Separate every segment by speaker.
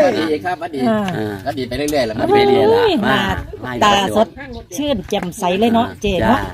Speaker 1: ดีครับอดีก็ดีไปเรื่อยๆแล้วมัน
Speaker 2: ไป
Speaker 1: ไป
Speaker 2: เรี
Speaker 1: เรื่
Speaker 2: ย
Speaker 1: อย
Speaker 2: น
Speaker 1: ๆละ
Speaker 2: มาตาสดชื่นแจ่มใสเลยเนาะเจ๊เนาะ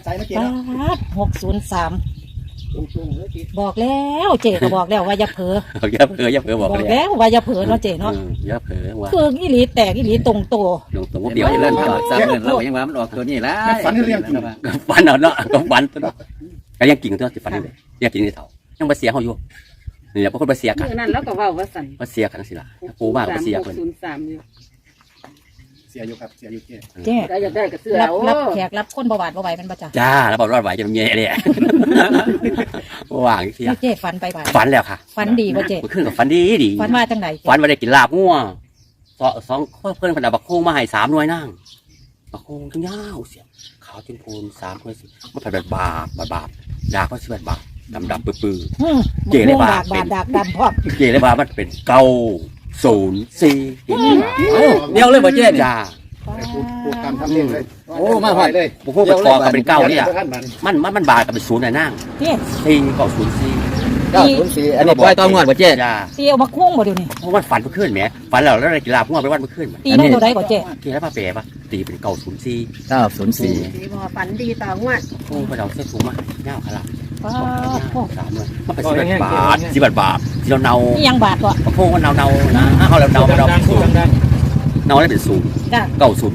Speaker 2: 603บอกแล้วเจ๊ก็บอกแล้วว่าอย่าเผลอ
Speaker 1: อย่าเผลอบอก
Speaker 2: แล้วว่าอย่าเผลอเนาะเจ๊เนาะ
Speaker 1: อย่าเผลอว่า
Speaker 2: คืออีหลีแตกอีหลีตรงโต
Speaker 1: ลงตรงเดียวเล่นจอดซ้ำเงินเรายังว่ามันออกตัวนี้แล้วฝันเรื่องฝันเอาเนาะก็ฝันตัวเนาะก็ยังกิ่งตัวที่ฝันเลยยังกิ่งที่เถายังมาเสียเขาอยู่นี่แหละพวกคนมาเสียกัน
Speaker 3: นั่นแล้วก็ว่าสั่น
Speaker 1: มาเสียกันสิล่ะปูมากมาเสียคน
Speaker 3: 03อยู่
Speaker 4: เสียอยู่ครับเสียอยู่
Speaker 2: เจ๊
Speaker 3: ได้อยากได้ก็เสื้อ
Speaker 2: รับแขกรับคนบ่หวาดบ่ไหวมันบ่จ้ะ
Speaker 1: จ้าแล้วบอกรอดไหวจะเป็นเงี้ยเลยว่างเสีย
Speaker 2: เจ๊ฝันไปบ่
Speaker 1: ฝันแล้วค่ะ
Speaker 2: ฝันดีบ่เจ๊
Speaker 1: ขึ้นกับฝันดีดี
Speaker 2: ฝันว่าจังได
Speaker 1: ฝันว่าได้กินลาบงัวสองเพื่อนคนเอาบักโค้งมาให้3 หน่วยนั่งบักโค้งทั้งยาวเสียขาวจนพูน3 คนสิมันผัดแบบบาบดาก็สิแบบบาดำปื้อเจ๋เลยบาด
Speaker 2: ดำพร้อม
Speaker 1: เจ๋เลยบามันเป็น904เดียวเลยบ่เจ๊จ้า
Speaker 4: พูดตามทำเนียมเลย
Speaker 1: โอ้มาหอดเลยบุกเข้าไปกองกับเป็น9เนี่ยมันบาดกับเป็น0น่ะนั่ง
Speaker 2: เจ๊
Speaker 1: 904
Speaker 4: อันนี้ปล่อยต่องวดบ่เจ๊
Speaker 1: จ้า
Speaker 2: ตีเอามาคุ้งบ่เดี๋ยวนี้
Speaker 1: เพราะว่าฝันเมื่อคืนแหมฝันแล้วได้กินลาบงัวไปวันเมื่อคืน
Speaker 2: ตีได้ตัวใดบ่เจ๊
Speaker 1: ตีแล้วป้าเป๋ปะตีเป็น904
Speaker 3: ดีบ่ฝันดีต่องวด
Speaker 1: โอ้ไปเอาเส้นถุงมาเงาขลับ
Speaker 2: ป้า
Speaker 1: 3 เลยมันเป็น10 บาท10 บาทที่เราเนา
Speaker 2: นี่ยังบาทบ่
Speaker 1: พวกมันเนานะเขาเราเนามาเนาได้เป็น0
Speaker 2: จ้ะ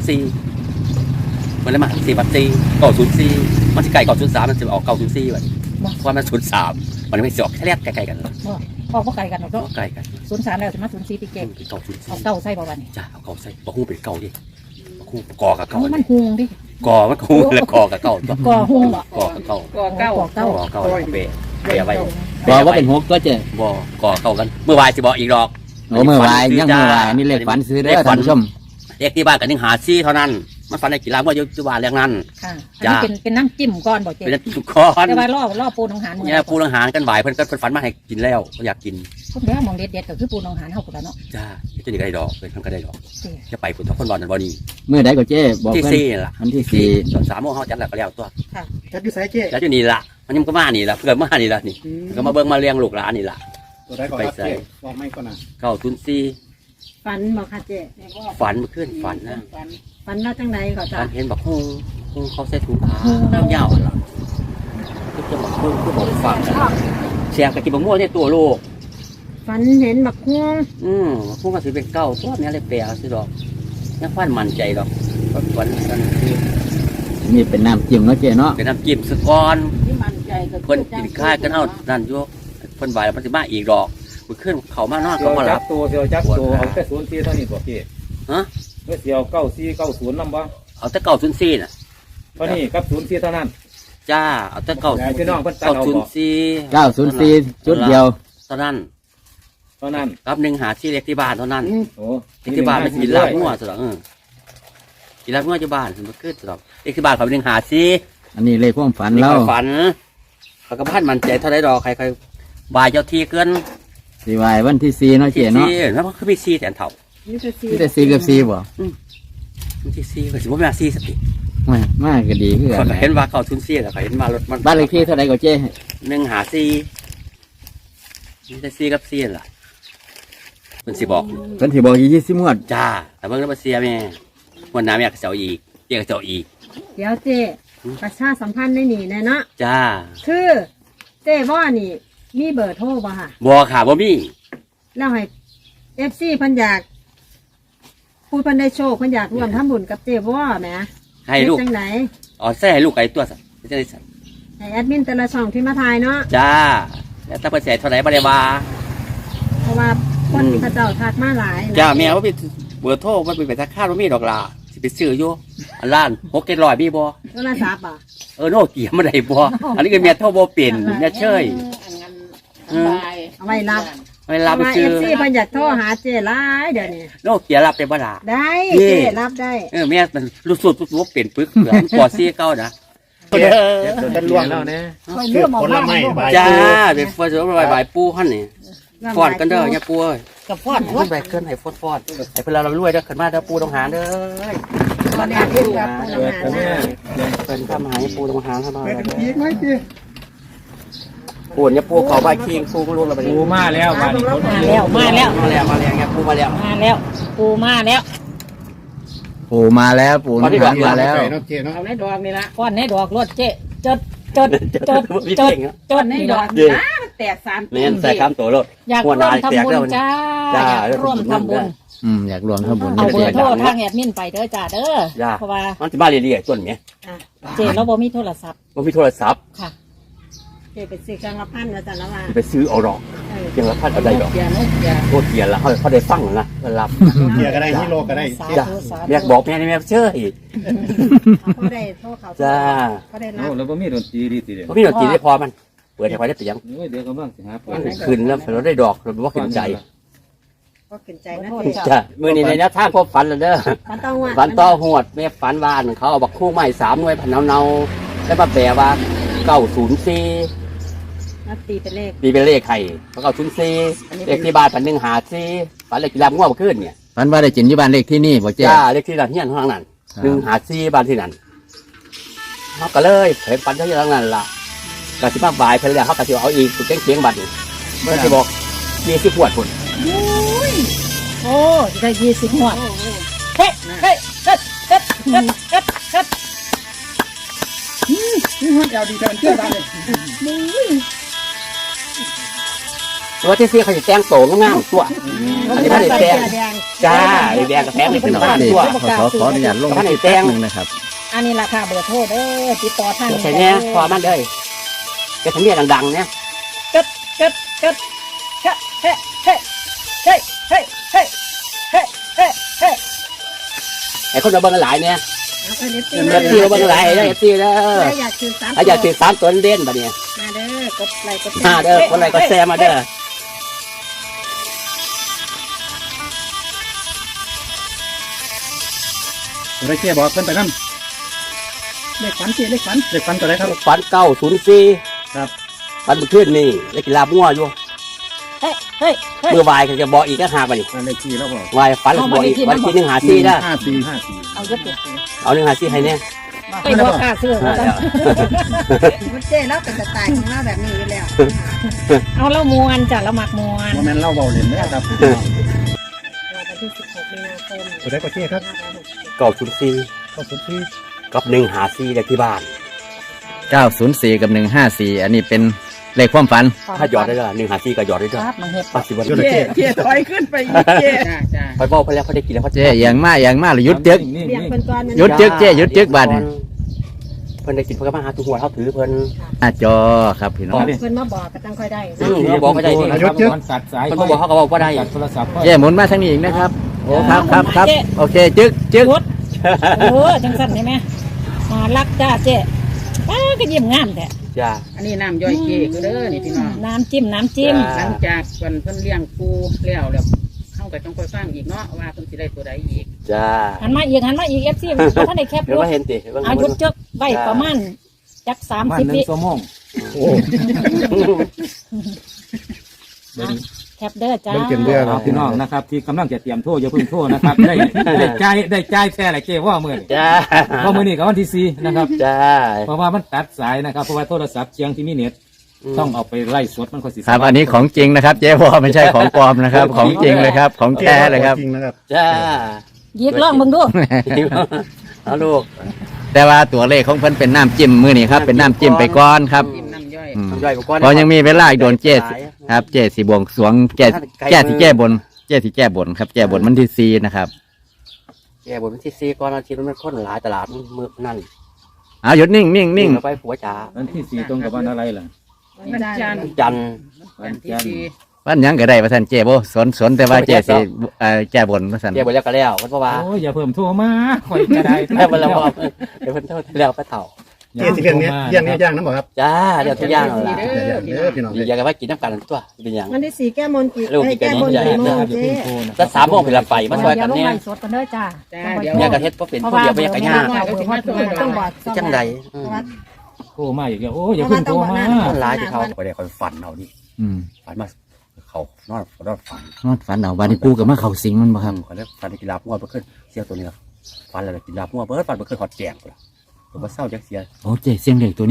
Speaker 1: 904มันเลยมา4 บาท904มันจะไก่903มันจะออก904แบบเพราะมัน03มันไม่จบแค่แรกไกลๆกันเลย
Speaker 2: พอบ่ไกลกันเนาะ
Speaker 1: ไกลกัน
Speaker 2: 03แล้วสิมา04ติเจ๊
Speaker 1: เป็น904
Speaker 2: เอาเก้าใส่บ่บัดนี้
Speaker 1: จ้าเอาเก่าใส่ปะฮู้เป็นเก่าดิปะฮู้กอกับ
Speaker 2: เอา
Speaker 1: เก่า
Speaker 2: มันหุงดิ
Speaker 1: กอมันฮู้แล้วกอกับเก่า
Speaker 2: ก่อหุงบ่
Speaker 1: กอกับเก่า
Speaker 3: ก็เก้า
Speaker 2: ก่อเก้า
Speaker 1: กอเก่าเปะไว้
Speaker 4: บอกว่าเป็น6ตัวเจ๊
Speaker 1: บ่กอเก่ากันเมื่อวานสิบอกอีกดอก
Speaker 4: โอ้เมื่อวานยังเมื่อวานนี่เลขฝันซื้อเด้อท่านผู้ชม
Speaker 1: เลขที่บ้านกัน1 5 4เท่านั้นมันฝันในกีฬาว่าอยู่บ้านเรื่องนั้น
Speaker 2: ค่ะอันนี้เป็นน้ำจิ้มก่อนบ่เจ๊
Speaker 1: เป็นทุกคน
Speaker 2: แต่ว่ารอปูหนองหานมื้อ
Speaker 1: เนี่ยปูอาหารกันบ่ายเพิ่นก็ฝันมาให้กินแล้วเขาอยากกิน
Speaker 2: พวกเด้อมองเด็ดๆก็คือปูหนองหานเฮาพุ่นล่ะเนาะ
Speaker 1: จ้าจะนี่ก็ได้ดอกเพิ่นทำก็ได้ดอก
Speaker 2: เจ๊
Speaker 1: จะไปพุ่นทุกคนบ่นั่นบ่นี่
Speaker 4: มื้อใดก็เจ๊บอก
Speaker 1: ที่
Speaker 4: เพิ่น
Speaker 1: 4ล่ะ
Speaker 4: อันที่
Speaker 1: ตอน3 โมงเฮาจัดแล้วก็แล้วตัว
Speaker 4: 4จัดอยู่ไสเจ๊
Speaker 1: แล้วอยู่นี่ล่ะมันยังก็มานี่ล่ะเพื่อนมานี่ล่ะนี่ก็มาเบิ่งมาเลี้ยงลูกหลานนี่ล่ะ
Speaker 4: ตัวใดก็ครับเจ๊บอกไม่ก่อนนะ
Speaker 1: 904
Speaker 3: ฝันบ่ค่ะเจ๊
Speaker 1: ฝันเมื่อคืนฝันนะ
Speaker 3: ฝันว่าจังไดก็จ้ะ
Speaker 1: ฝันเห็นบอกฮู้เขาใส่ถุงผ้ายาวๆล่ะก็จะบอกฮู้ก็บอกฟังเสียงกะกินบักม่วงในตัวลูก
Speaker 3: ฝันเห็นบักฮวง
Speaker 1: พวกก็สิเป็นเก้าตัวนี้เลยแปลสิดอกยังฟันมั่นใจดอกฝันกันคือ
Speaker 4: นี่เป็นน้ำจิ้มเนาะเจ๊เนาะ
Speaker 1: เป็นน้ำจิ้มสะก้อน
Speaker 3: ที่มั่นใจก็
Speaker 1: เพิ่นกินข้าวกันเฮานั่นอยู่เพิ่นบ่ายแล้วมันสิมาอีกดอกมื้อคืนเขามานอนเขามาหลับ
Speaker 5: ตัวเสียวจักตัวเอาแต่04เท่านี้บ่พี่
Speaker 1: ฮะ
Speaker 5: เมื่อเสียว9490นำบ่
Speaker 1: เอาแต่904น่ะ
Speaker 5: เท่านี้กับ04เท่านั้น
Speaker 1: จ้าเอาแต่
Speaker 5: ยายพี่น้องเพิ่นตัดเอาบ่
Speaker 1: 904
Speaker 4: 904จุดเดียว
Speaker 1: เท่านั้น
Speaker 5: เท่านั้น
Speaker 1: กับ1 5 4เล็กที่บ้านเท่านั้น
Speaker 5: โอ้
Speaker 1: เด็กที่บ้านมันกินลาบงัวสุดหรอกินลาบงัวที่บ้านมันขึ้นสุดหรอเด็กที่บ้านเขาเป็นหาซี
Speaker 4: อันนี้เลขความฝัน
Speaker 1: นี่
Speaker 4: เรา
Speaker 1: เขาฝันเขาก็พันมันใจเท่าไรดอกใครบายเจ้าที่เกิน
Speaker 4: สิวายวันที่4เนาะเจ๊เนาะ
Speaker 1: แล้วมันคือมีซีแต่เท่า
Speaker 3: นี่จะสิ
Speaker 4: ที่แต่4กับ4บ่
Speaker 1: มันที่ซีก็สิบ่แม่ซีสติ
Speaker 4: มากก็ดีคือกั
Speaker 1: เขา
Speaker 4: น
Speaker 1: เห็นว่าเขาทุนซีแล้วเขาเห็นมารถมัน
Speaker 4: บ้านเลขที่เท่าใดก็เจ๊
Speaker 1: 1 หาซีมีแต่ซีกับซีล่ะมันสิบอก
Speaker 4: เพิ่นสิบอกอี20งวด
Speaker 1: จ้าแต่เบิ่งแล้วมาเสียแม่วันน้ำอยากเจ้าอีกเรียกเจ้าอีก
Speaker 3: เดี๋ยวเจ๊ประชาสัมพันธ์ในนี่แน่เนาะ
Speaker 1: จ้า
Speaker 3: คือเจ๊ว่านี่มีเบอร์โทรบ่ค่ะ
Speaker 1: บัวขาบ่มี
Speaker 3: แล้วให้ FC เพิ่นอยากผู้เพิ่นได้โชคเพิ่นอยากร่วมทำบุญกับเจ๊ว่าแหม
Speaker 1: ให้ลูก
Speaker 3: เฮ็ดจังได
Speaker 1: อ๋อใส่ให้ลูกไก่ตัวสัตว์ไม่ใช่สัตว์
Speaker 3: ให้แอดมินแต่ละช่องที่มาถ่ายเนาะ
Speaker 1: จ้าแล้วถ้าเปิดแสนเท่าไหร่บ่ได้ว่า
Speaker 3: เพราะว่าคนที่เขาเจ้าทักมาหลายนะ
Speaker 1: จ้าแม่ว่าเป็นเบอร์โทรมันเป็นไปทักข้าวมีดอกลาสิไปซื้ออยู่อันล้าน600มีบ่
Speaker 3: โทรศัพท์อ่ะ
Speaker 1: โนเกียมาได้บ่อันนี้ก็แม่โทรบ่เป็นแม่เชย
Speaker 3: เอาไว้รับ
Speaker 1: เวลาไปซื้อ
Speaker 3: FC เพิ่นอยากโทรหาเจ๊หลายเดี๋ยวนี้
Speaker 1: โนเกียรับได้บ่ล่ะ
Speaker 3: ได้
Speaker 1: นี่
Speaker 3: เจ๊รับได้
Speaker 1: แม่มันรู้สึกบ่เป็นปึกเหลือปอซี่เก่านะ
Speaker 5: เป็นล่วงแล้วนะ
Speaker 4: ผลไม้ใบ
Speaker 1: จ้าเป็นฟอนต์ใบปูหั่นนี่ฟอนต์กันเด้อเนี่ยปูเอ้ย
Speaker 2: กับพอด
Speaker 1: ฟอนต์ใบเกินให้ฟอนต์ให้เพิ่นเรารวยเด้อขึ้นมาเด้อปูต้องหาเด้อ
Speaker 3: วันนี้เพิ่นกับผู้
Speaker 5: เปิด
Speaker 3: ทำ
Speaker 5: กั
Speaker 3: งาน น
Speaker 5: แม่
Speaker 3: นะ
Speaker 1: เพิ่นทำหาปูต้องหาเข้ามา
Speaker 4: อีกไหมพี่
Speaker 1: ปูนเนี่ยปูเขาไปคิงปูก็รู้แล้ว
Speaker 5: ปูมาแล้ววันนี้คน
Speaker 2: มาแล้วมาแล้ว
Speaker 1: มาแล้วเนี่ยปูมาแล้ว
Speaker 2: มาแล้วปูมาแล้ว
Speaker 4: ปู่มาแล้วปู่น้ำหวานมาแล้ว
Speaker 6: เอาในดอกนี่ละ
Speaker 2: ก้อนในดอกรถเจ๊จดจดจดจดจด
Speaker 6: ใน
Speaker 2: นี่
Speaker 6: ด
Speaker 2: ด
Speaker 6: อ
Speaker 2: อก ก
Speaker 6: นี่ละมันแตกสาม
Speaker 1: เน้นใส่คำตัวรถ
Speaker 2: อยากร่วมทำบุญจ้าอยากร่วมทำบุญ
Speaker 4: อยากรวมข้าวบุญ
Speaker 2: เอาเบอร์โทรทางแอดมินไปเด้อจ้าเด้อเพราะว่า
Speaker 1: มันจะมาเรียๆต้นเนี่ย
Speaker 2: เจ๊เราบ่มีโทรศัพท์
Speaker 1: มันมีโทรศัพท์
Speaker 2: ค่ะ
Speaker 3: เจ๊ไปซื้อเครื่องละพันแล้วแต่ละว่า
Speaker 1: ไปซื้อเอาดอกเพียงละพันเอาได้ดอก
Speaker 6: เกียร์นกเกียร์
Speaker 1: โคตรเกียนแล้วเขาได้ฟังนะรับ
Speaker 5: เกียร์ก็ได้ฮิโร่ก็ได้
Speaker 2: สา
Speaker 1: จ้า
Speaker 2: ธุสาธุ
Speaker 1: แม่บอกแม่นี่แม่เชื่ออีก
Speaker 3: เขาได้โทษเขา
Speaker 1: จ้า
Speaker 3: เขาได้รั
Speaker 5: โอ้
Speaker 3: บ
Speaker 5: แล้วบ่มีดนตรีดีสิเด้อ
Speaker 1: เพราะพี่ดนตรีได้พอมันเปิดให้พอได้เสียง
Speaker 5: โอ้ยเดี๋ยวกำลังสิหาปู
Speaker 1: ขึ้นแล้วเราได้ดอกเราบอกว่าขึ้นใจ
Speaker 3: ก็ขึ้นใจนะเจ๊
Speaker 1: จ้ามือนี้ในแนวทางพบฝันแล้วเด้อ
Speaker 3: มันต้องว่า
Speaker 1: ฝันต่อหวดแม่ฝันวานเขาเอาบักคู่ใหม่3 หน่วยพันเนาแล้วมาแปลว่า904
Speaker 3: นับตีเป็นเลข
Speaker 1: ปีเป็นเลขไข่เพราะ904เลขที่บ้าน154ฝันเลขกีฬาง่วงขึ้นเนี่ย
Speaker 4: ฝันว่าได้จินที่บ้านเลขที่นี่บ่เจ๊
Speaker 1: จ้าเลขที่นั่นเฮียนข้างนั้น154บ้านที่นั่นเขาก็เลยเห็นฝันเท่านั้นล่ะกสิมาบ่ายเพิ่นแล้วเขาก็สิเอาอีกสุดเสียงบัดนี้เพิ่นสิบอก20 ขวดพุ่น
Speaker 2: โอ้ได้20หัวเฮ้เฮ้เฮ้เฮ้เฮ้เฮ้เฮ้
Speaker 6: เดี๋ยวดีเดินเที่ยวบ้านเลย
Speaker 1: ตัวที่4เขาสิแต่งโตงามๆตัวอันนี้บ่ได้แต่งจ้าแดงกับแพงนี่เป็นบ้านตัว
Speaker 4: ขออนุญาตลง
Speaker 1: ท่านไหน
Speaker 4: ที่
Speaker 1: แจ้
Speaker 4: แป๊
Speaker 1: ง
Speaker 4: บนึงนะครับ
Speaker 2: อันนี้ราคาเบอร์โทรเด้อติดต่อทาง
Speaker 1: ใช่เนี่ยพอมันเลยจะทำเนียดังๆเนี่ย
Speaker 2: เกิดเกิดเกิดเฮ้เฮ้เฮ้เฮ้เฮ้เฮ้เฮ้เฮ้เฮ้
Speaker 1: ไอ้คนเราเบิ่งหลายเนี่ย
Speaker 3: เอาไปเอฟซี
Speaker 1: เอฟซีเราเบิ่งหลายได้เอฟซีเด้อ
Speaker 3: อยากซื้อสาม
Speaker 1: ถ้าอยากติด3 ตัวเด่นบัดเนี่ย
Speaker 3: มาเด้อกดไลค์กด
Speaker 1: มาเด้อคนไรก็แซมมาเด้อ
Speaker 5: ได้เกียร์บอกเพิ่นไปนั่น
Speaker 6: เลขฝันเจ๊เลขฝัน
Speaker 5: เลขฟันตัวไหนครับ
Speaker 1: ฝัน904
Speaker 5: ครับ
Speaker 1: ฝันเมื่อคืนนี่เล่นกีฬามั่วอยู่
Speaker 2: เฮ้เฮ้เฮ้
Speaker 1: เมื่อวายก็จะบอกอีกก็หาบัดนี้
Speaker 5: นั่นเลขที่แล้วบอก
Speaker 1: วายฝันแล้วบอกอีกวันที่154นะ
Speaker 5: 5454
Speaker 2: เอายกตัว
Speaker 1: เอา154ให้เนี่ย
Speaker 2: ไปบอกกล้าซื้อ
Speaker 3: มันเจ๊แล้วเป็นสไตล์ของเราแบบนี้อยู่แล้ว
Speaker 2: เอาแล้วมวนจ้ะแล้วหมักมวน
Speaker 5: บ่แม่นเล่าเบาเล่นเด้อครับ
Speaker 3: วันที่16 มีนาคม
Speaker 5: ตัวไหนก็เกียร์ครับ
Speaker 1: 904
Speaker 5: ขอบคุณที่
Speaker 1: กับ154เลขที่บ้าน
Speaker 4: 904 กับ 154 อันนี้เป็นเลขความฝัน
Speaker 1: ถ้าหยอดได้ละ154ก็หยอดได้ด้วย
Speaker 2: ครับมันเห็ด
Speaker 1: ปัจจุบัน
Speaker 6: เจ๊ถอยขึ้นไปอีกเจ๊จ้าจ้า
Speaker 1: ไปบอกไปแล้วเขาได้กินแล้วเขา
Speaker 4: เจ๊อย่างมากหรือหยุดจึก
Speaker 3: เรียกเพิ่นก่อน
Speaker 4: หยุดจึกเจ๊หยุดจึกบัดนี้
Speaker 1: เพิ่นได้กินเพิ่นก็มาหาตัวหัวเขาถือเพิ่น
Speaker 4: หน้าจอครับพี่น้อง
Speaker 3: เพิ่นมาบอกก็ต้องค่อยได้
Speaker 1: บอกไม่ได้นี่
Speaker 5: ยศเยอะตัดสาย
Speaker 1: เพิ่นบอกเขาก็บอกว่าได้
Speaker 5: ตัดโทรศัพท์
Speaker 4: เจ๊หมุนมาทางนี้อีกนะครับโอ้ครับโอเคจึก
Speaker 2: ยุดจังสั่นใช่ไหมมารักจ้าเจ๊ป้าก็ยิ้มงามแต่
Speaker 1: จ้า
Speaker 6: อันนี้น้ำย่อยเจ๊ก็เด้อนี่พี่น้อง
Speaker 2: น้ำจิ้มน้ำจิ้ม
Speaker 6: หลังจากเพิ่นเลี้ยงปูแล้วเข้าก็ต้องค่อยฟังอีกเนาะว่าเพิ่นสิได้ตัวใดอีก
Speaker 1: จ้า
Speaker 2: หันมาอีกเอฟซีท่านได้แคบ
Speaker 1: เดี๋ยวมาเห็นติ
Speaker 2: อายุจักไว้ประมาณจัก
Speaker 5: บ้าน
Speaker 2: 30 วิ
Speaker 5: 1 ชั่วโมง
Speaker 2: แคบเด้อจ้า
Speaker 5: เอาพี่น้องนะครับ ที่กำลังจะเตรียมโทษอย่าเพิ่งโทษนะครับ ได้จ่ายแค่ไหนเจ้ว่ามื้อนี้
Speaker 1: จ้า
Speaker 5: เพราะมื้อนี้ก็วันที่4นะครับ
Speaker 1: จ้า
Speaker 5: เพราะว่ามันตัดสายนะครับเพราะว่าโทรศัพท์เชียงที่มีเน็ตต้องเอาไปไล่สดมันก็สิ
Speaker 4: ครับอันนี้ของจริงนะครับ เจ๊วอไม่ใช่ของปลอมนะครับ ของจริงเลยครับ ของแท้เลยครับ
Speaker 1: จ้า
Speaker 2: ยิกล่องมึงดู
Speaker 1: เอาลูก
Speaker 4: แต่ว่าตัวเลขของเพิ่นเป็นน้ำจิ้มมือนี่ครับเป็นน้ำจิ้มไปก่อนครับ
Speaker 6: จิ้มน้ำย่อย
Speaker 1: ย่อยก่อน
Speaker 4: เพราะยังมีเวลาอีกโดนเจ๊ครับเจ๊สีบวงสรวงแก้ที่แก้บนเจ๊ที่แก้บนครับแก้บนมันที่4นะครับ
Speaker 1: แย่บนที่4ก่อนอาทิตย์มันคนหลายตลาดมือนั่น
Speaker 4: เอาหยุดนิ่ง
Speaker 1: ไปผัวจ๋า
Speaker 5: วันที่4ตรงกับวันอะไรล่ะ
Speaker 6: วันจันทร์
Speaker 1: จันทร์
Speaker 6: วันที่สี่
Speaker 4: วันหยังก็ได้ว่าท่านเจ๊บ่สนแต่ว่าเจ๊สิแก้บนว่าท่าน
Speaker 1: แย่บนแล้วก็แล้วเพราะว่า
Speaker 5: โอ้ยอย่าเพิ่มโทรมาข่อยก็ได้
Speaker 1: แม่บนแล้วเดี๋ยวเพิ่นโทษแล้วไปเถ่า
Speaker 5: เจ๊สิเรื่องนี้ย่างนี้ย่างน้ำบ่ครับ
Speaker 1: จ้าเดี๋ยวทุกอย่างเอาละ
Speaker 6: เด้อพี่น้อง
Speaker 1: อยากจะไปกินน้ำกันตัวเป็นอย่าง
Speaker 3: วันที่4แก้มนกี่
Speaker 1: ลูกอีก
Speaker 3: แก้มน
Speaker 1: อันนี้
Speaker 3: กี่โมง
Speaker 5: อย่า
Speaker 3: เจ๊
Speaker 5: เพิ่งโทรนะ
Speaker 1: ถ้า3 โมงเป็นละไปมาซอยกัน
Speaker 2: ลง
Speaker 1: เนี่ย
Speaker 2: ไล่สดกันเด้อจ้า
Speaker 6: จ้าเดี๋ยว
Speaker 1: อยากกระเฮ็ดเพราะเป็นผู้เดียวไม่อยากกระยาก
Speaker 3: ต้องบอก
Speaker 1: จังใด
Speaker 5: โทรมาอีกแล้วโอ้ยอย่าเพิ่งโทรมา
Speaker 1: คนร้ายที่เขาไปได้คอยฝันเอาดิ
Speaker 4: อืม
Speaker 1: ฝันมาเขานอนฝัน
Speaker 4: นอนฝันเอาวันนี้ปูกับมาเข้าสิงมันบ่ครับ
Speaker 1: เขาเรียกฝันกีฬามั่วเพื่อขึ้นเสียตัวนี้ครับฝันอะไรกีฬามั่วเพื่อฝันเพื่อขึ้นหอดแจงเลยผมว่าเศร้าจักเสีย
Speaker 4: โอ้เจ๊เสียงเด็กตัวนี้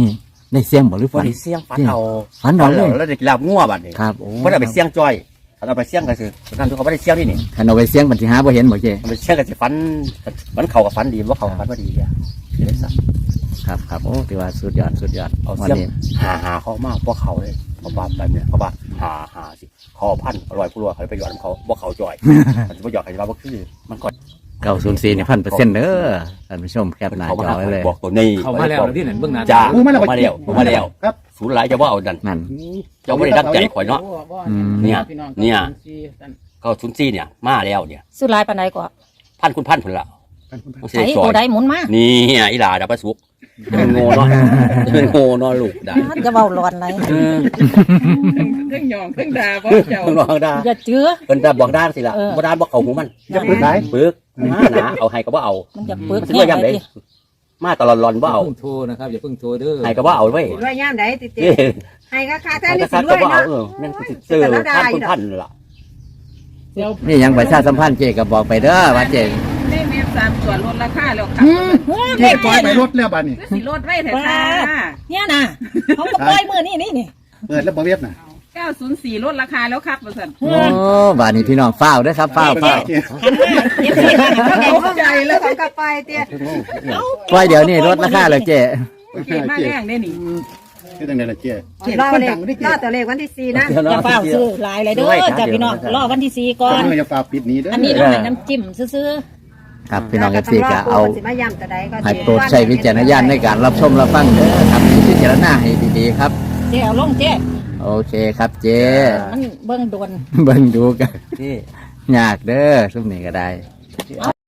Speaker 4: ได้เสียงบ่หรือ
Speaker 1: ฝั
Speaker 4: ฝั
Speaker 1: น
Speaker 4: น
Speaker 1: เสียงฝันเอา
Speaker 4: ฝันเอาเลย
Speaker 1: แล้วได้กินลาบงัวบัดนี้
Speaker 4: ครับโอ้
Speaker 1: บ่ได้ไปเสียงจ้อยเอาไปเสียงก็คือนั่นทุกคนบ่ได้เสียงนี่นี่
Speaker 4: คันเอาไปเสียงบัดสิหาบ่เห็นบ่เจ้
Speaker 1: เอาไปเสียงก็สิฝันเข้ากับฝันดีบ่เข้ากับฝันบ่ดีอ่ะสิได้ซะ
Speaker 4: ครับครับโอ้ถือว่าสุดยอดสุดยอด
Speaker 1: เอา
Speaker 4: วัน
Speaker 1: เสียง
Speaker 4: นี้
Speaker 1: หาเขามากพวกเขาเลยเพราะว่าแบบเนี้ยเพราะว่าหาสิคอพันอร่อยผู้รัวเขาไปหยอดเขาบ่เขาจ่อยมันจะบ่หยอดใครว่าบ่คือมันก็
Speaker 4: 904นี่1,000%เด้อท่านผู้ชมแคปหน้า
Speaker 1: เขา
Speaker 4: จ
Speaker 1: มา
Speaker 4: อไว้เลย
Speaker 1: บอกตัวนี้
Speaker 5: เข้ามาแล้วที่ไหนเบื้องหน้า
Speaker 1: จ้า
Speaker 2: มาแล้ว
Speaker 1: มาแล้วครับศูนย์หลายจะว่าเอาดัน
Speaker 4: นั่น
Speaker 1: เจ้าไม่ได้ดับใจข่อยเนาะ
Speaker 4: อืม
Speaker 1: เนี่ย
Speaker 6: พี่อง
Speaker 1: เนี่ย
Speaker 6: สี่ท่าน
Speaker 1: ก็ศูนย์ซี่เนี่ยมาแล้วเนี่ย
Speaker 7: สุดลายปานใดกว่า
Speaker 1: พันคุณพันผลละต้องเสี
Speaker 7: ใส่
Speaker 1: ยซอ
Speaker 7: ตัวย ใดหมุนมา
Speaker 1: นี่อีหลาดับประสุกเป็นโง่เนาะเป็นโง่เนาะลูกได้
Speaker 7: จะเว้าร้อนไร
Speaker 6: เครื่องยองเครื่องดาบ่เจ้า
Speaker 1: ต้องลองได้
Speaker 7: อย่าเจือ
Speaker 1: เป็นดับบอกด้านสิล่ะ
Speaker 7: เออ
Speaker 1: บ่ด้านบอกเขาหูมัน
Speaker 2: จะปึกไหน
Speaker 1: ปึกหนาเอาให้ก็บ่เอา
Speaker 7: มันจะปึก
Speaker 1: มันสิว่าย่ำได้มาตลอดรอนบ่
Speaker 5: อย่า
Speaker 1: เอา
Speaker 5: เพิ่งโทรนะครับอย่าเพิ่งโทรเด้อ
Speaker 1: ให้ก็บ่เอาเว้ย
Speaker 3: รวยย่ามใดติด
Speaker 1: เอ้ย
Speaker 3: ให้ก็ค่าแท้
Speaker 1: ให้
Speaker 3: นี่
Speaker 1: ก็
Speaker 3: สิ
Speaker 1: ซัด
Speaker 3: ร
Speaker 1: ก็
Speaker 3: วย
Speaker 1: บ่เอา
Speaker 3: เนาะ
Speaker 1: แม่นสิซื้อพันคุณพันล่ะ
Speaker 6: เดี๋ยว
Speaker 4: นี่ยังประชาสัมพันธ์เจก็บอกไปเด้อว่าเจ
Speaker 6: ได้เมฟ3ส่วนลดราคาแล้วครับ
Speaker 2: เจ๊ปล่อยไปรถแล้วบ้านนี่
Speaker 6: สิลดไว้แต่ค่ะ
Speaker 7: เนี่ยนะเขาก็ปล่อยมือนี่นี่
Speaker 2: เปิดแล้วบ่เวียดน่ะ
Speaker 6: 904ลดราคาแล้วครับว่าซั่น
Speaker 4: โอ้บาดนี้พี่น้องฟ้าวเด้อครับฟ้าวฟ้าว
Speaker 6: ตกใจแล้ว
Speaker 3: ของกลับไปเตี้ย
Speaker 4: ปล่อยเดี๋ยวนี้ลดราคาเลยเจ
Speaker 6: เก่งมากแรงได้นี่
Speaker 2: คือจังได๋ล่ะเจ๊
Speaker 3: รอเลขรอตัวเลขวันที่4นะ
Speaker 7: อย่าเฝ้าซื้อหลายเลยเด้อจ้าพี่น้องรอวันที่4ก่อน
Speaker 2: เมื่ออย่าฟ้าปิดนี้เด้อ
Speaker 7: อันนี้เราให้น้ำจิ้มซื้อ
Speaker 4: ครับพี่น้องFCก็เอา
Speaker 3: สิมาย่ำตัวใดก็
Speaker 4: ให้โปรดใช้วิจารณญาณในการรับชมรับฟังเด้อครับพิจารณาให้ดีๆครับ
Speaker 7: ๆเจ๊เอาลงเจ๊
Speaker 4: โอเคครับเจ
Speaker 7: มันเบิ่งโดน
Speaker 4: เบิ่งดูกัน
Speaker 1: นี่
Speaker 4: ยากเด้อซุมนี้ก็ได้